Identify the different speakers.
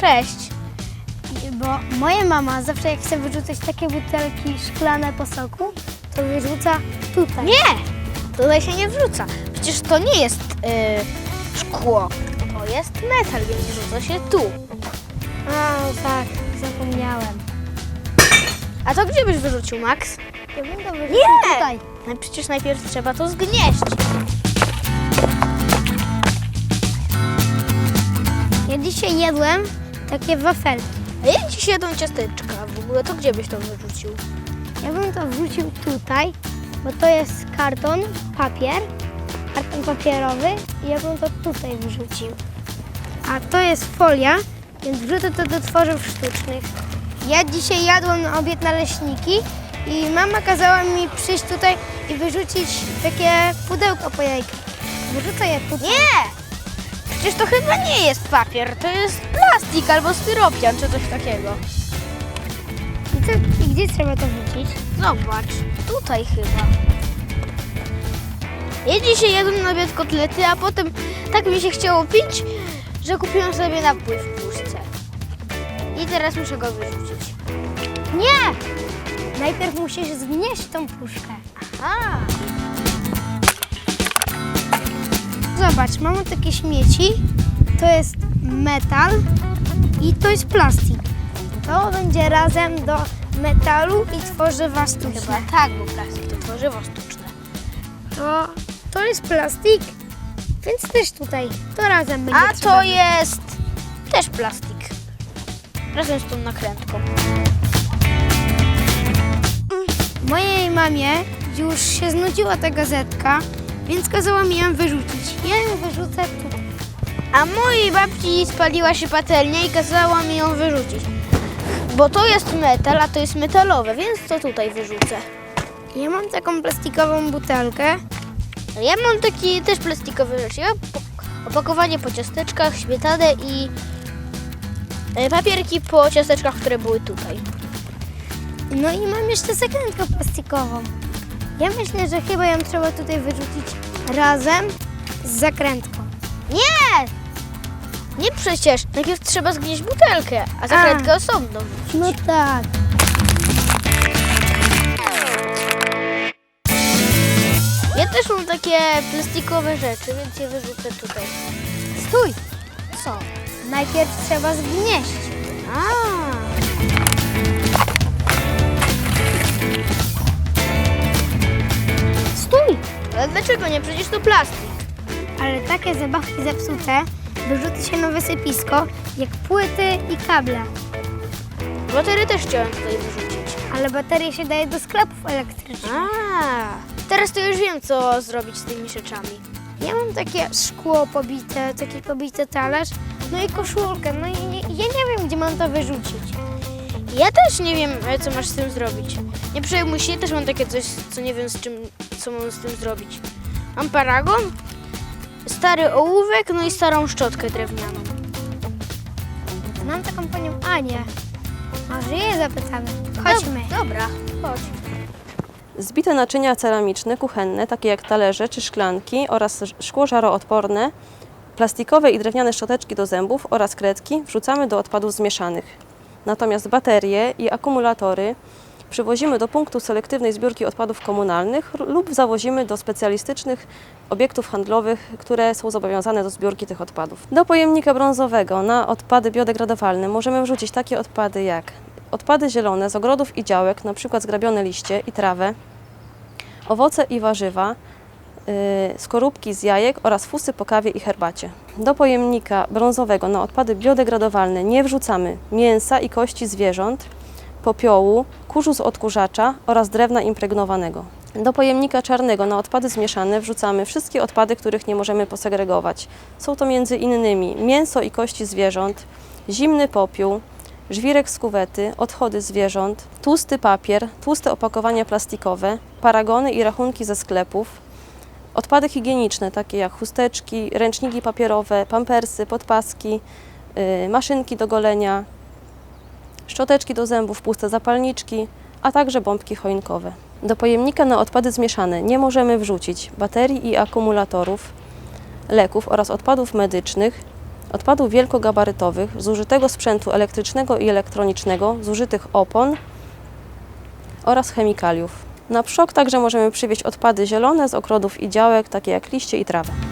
Speaker 1: Cześć.
Speaker 2: Bo moja mama zawsze jak chce wyrzucać takie butelki szklane po soku, to wyrzuca tutaj.
Speaker 1: Nie, tutaj się nie wrzuca. Przecież to nie jest szkło. To jest metal, więc wrzuca się tu.
Speaker 2: A, tak, zapomniałem.
Speaker 1: A to gdzie byś wyrzucił, Max?
Speaker 2: Ja bym to wyrzucił
Speaker 1: Nie!
Speaker 2: tutaj.
Speaker 1: No przecież najpierw trzeba to zgnieść.
Speaker 2: Ja dzisiaj jadłem takie wafelki.
Speaker 1: A jak dziś jedzą ciasteczka w ogóle, to gdzie byś to wyrzucił?
Speaker 2: Ja bym to wrzucił tutaj, bo to jest karton papierowy i ja bym to tutaj wyrzucił. A to jest folia, więc wrzucę to do tworzyw sztucznych. Ja dzisiaj jadłam na obiad naleśniki i mama kazała mi przyjść tutaj i wyrzucić takie pudełko po jajkach. Wyrzucę je tutaj.
Speaker 1: Nie! Przecież to chyba nie jest papier, to jest plastik albo styropian czy coś takiego.
Speaker 2: I gdzie trzeba to wrzucić?
Speaker 1: Zobacz, tutaj chyba. Ja dzisiaj jadłem na obiad kotlety, a potem tak mi się chciało pić, że kupiłam sobie napój w puszce. I teraz muszę go wyrzucić.
Speaker 2: Nie! Najpierw musisz zgnieść tą puszkę.
Speaker 1: Aha!
Speaker 2: Zobacz, mamy takie śmieci. To jest metal i to jest plastik. To będzie razem do metalu i tworzywa sztuczne.
Speaker 1: Chyba tak, bo plastik to tworzywo sztuczne.
Speaker 2: To jest plastik, więc też tutaj to razem będzie
Speaker 1: A
Speaker 2: trzeba
Speaker 1: to jest też plastik. Razem z tą nakrętką.
Speaker 2: Mojej mamie już się znudziła ta gazetka, więc kazała mi ją wyrzucić. Ja ją wyrzucę tutaj.
Speaker 1: A mojej babci spaliła się patelnia i kazała mi ją wyrzucić. Bo to jest metal, a to jest metalowe, więc to tutaj wyrzucę.
Speaker 2: Ja mam taką plastikową butelkę.
Speaker 1: Ja mam taki też plastikowy rzeczy. Ja opakowanie po ciasteczkach, śmietanę i papierki po ciasteczkach, które były tutaj.
Speaker 2: No i mam jeszcze zakrętkę plastikową. Ja myślę, że chyba ją trzeba tutaj wyrzucić razem z zakrętką.
Speaker 1: Nie! Nie przecież. Najpierw trzeba zgnieść butelkę, a zakrętkę osobno wrzucić.
Speaker 2: No tak.
Speaker 1: Ja też mam takie plastikowe rzeczy, więc je wyrzucę tutaj.
Speaker 2: Stój!
Speaker 1: Co?
Speaker 2: Najpierw trzeba zgnieść.
Speaker 1: A.
Speaker 2: Stój!
Speaker 1: Ale dlaczego nie? Przecież to plastik.
Speaker 2: Ale takie zabawki zepsute wyrzuca się na wysypisko, jak płyty i kable.
Speaker 1: Baterie też chciałem tutaj wyrzucić.
Speaker 2: Ale baterie się daje do sklepów elektrycznych.
Speaker 1: Teraz to już wiem, co zrobić z tymi rzeczami.
Speaker 2: Ja mam takie szkło pobite, taki pobity talerz, no i koszulkę. No i ja nie wiem, gdzie mam to wyrzucić.
Speaker 1: Ja też nie wiem, co masz z tym zrobić. Nie przejmuj się, też mam takie coś, co nie wiem, co mam z tym zrobić. Mam paragon, stary ołówek, no i starą szczotkę drewnianą.
Speaker 2: Mam taką panią Anię. Może jej zapytamy. Chodźmy.
Speaker 1: Dobra, chodź.
Speaker 3: Zbite naczynia ceramiczne, kuchenne, takie jak talerze czy szklanki oraz szkło żaroodporne, plastikowe i drewniane szczoteczki do zębów oraz kredki wrzucamy do odpadów zmieszanych. Natomiast baterie i akumulatory przywozimy do punktu selektywnej zbiórki odpadów komunalnych lub zawozimy do specjalistycznych obiektów handlowych, które są zobowiązane do zbiórki tych odpadów. Do pojemnika brązowego na odpady biodegradowalne możemy wrzucić takie odpady jak odpady zielone z ogrodów i działek, np. zgrabione liście i trawę, owoce i warzywa, skorupki z jajek oraz fusy po kawie i herbacie. Do pojemnika brązowego na odpady biodegradowalne nie wrzucamy mięsa i kości zwierząt, popiołu, kurzu z odkurzacza oraz drewna impregnowanego. Do pojemnika czarnego na odpady zmieszane wrzucamy wszystkie odpady, których nie możemy posegregować. Są to m.in. mięso i kości zwierząt, zimny popiół, żwirek z kuwety, odchody zwierząt, tłusty papier, tłuste opakowania plastikowe, paragony i rachunki ze sklepów, odpady higieniczne takie jak chusteczki, ręczniki papierowe, pampersy, podpaski, maszynki do golenia, szczoteczki do zębów, puste zapalniczki, a także bombki choinkowe. Do pojemnika na odpady zmieszane nie możemy wrzucić baterii i akumulatorów, leków oraz odpadów medycznych odpadów wielkogabarytowych, zużytego sprzętu elektrycznego i elektronicznego, zużytych opon oraz chemikaliów. Na PSZOK także możemy przywieźć odpady zielone z ogrodów i działek, takie jak liście i trawa.